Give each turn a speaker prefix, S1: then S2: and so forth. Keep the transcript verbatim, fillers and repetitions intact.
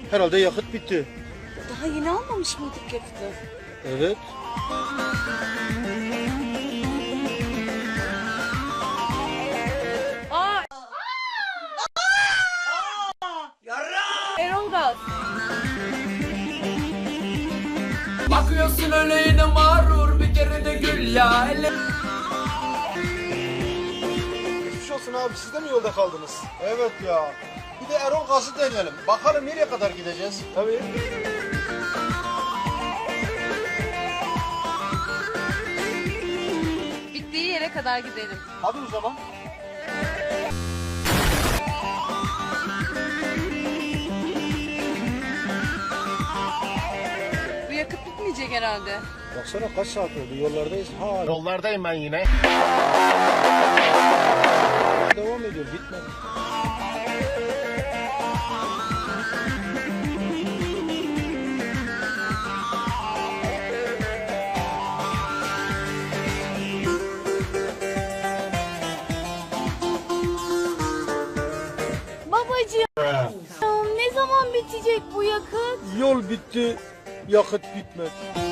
S1: Herhalde yakıt bitti.
S2: Daha yeni almamış mıydık yakıtı?
S1: Evet.
S2: Aa! Erol Gaz.
S3: Bakıyorsun öyle yine mağrur, bir kere de gül ya. Ele...
S1: Geçmiş olsun abi, siz de mi yolda kaldınız? Evet ya. Bir de Erol Gaz'ı deneyelim. Bakalım nereye kadar gideceğiz? Tabii.
S2: Bittiği yere kadar gidelim.
S1: Hadi o zaman.
S2: Bu yakıt bitmeyecek herhalde.
S1: Baksana kaç saat oldu, yollardayız. Ha,
S4: Yollardayım ben yine.
S1: devam ediyor, bitmedi.
S2: Babacığım ne zaman bitecek bu yakıt?
S1: Yol bitti, yakıt bitmedi.